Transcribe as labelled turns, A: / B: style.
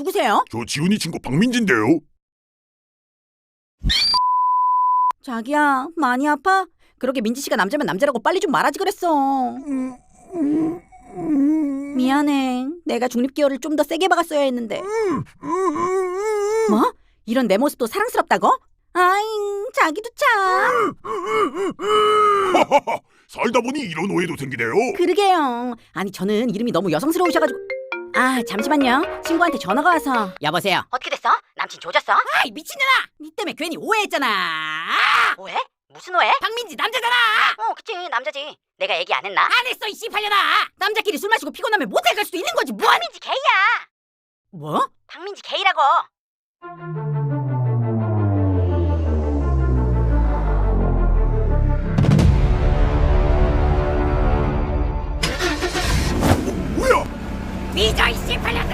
A: 누구세요?
B: 저 지훈이 친구 박민지인데요.
A: 자기야, 많이 아파? 그렇게 민지 씨가 남자면 남자라고 빨리 좀 말하지 그랬어. 미안해. 내가 중립기어를 좀 더 세게 박았어야 했는데. 뭐? 이런 내 모습도 사랑스럽다고? 아잉, 자기도 참.
B: 살다 보니 이런 오해도 생기네요.
A: 그러게요. 아니, 저는 이름이 너무 여성스러우셔가지고. 아, 잠시만요. 친구한테 전화가 와서. 여보세요.
C: 어떻게 됐어? 남친 조졌어?
A: 아이, 미친년아! 니 때문에 괜히 오해했잖아.
C: 오해? 무슨 오해?
A: 박민지 남자잖아.
C: 그치 남자지. 내가 얘기 안 했나?
A: 안 했어, 이 씨발년아. 남자끼리 술 마시고 피곤하면 모텔 갈 수도 있는 거지. 뭐?
C: 박민지 게이야.
A: 뭐?
C: 박민지 게이라고.
B: 뭐야?
A: 삐져, 이 씨발년.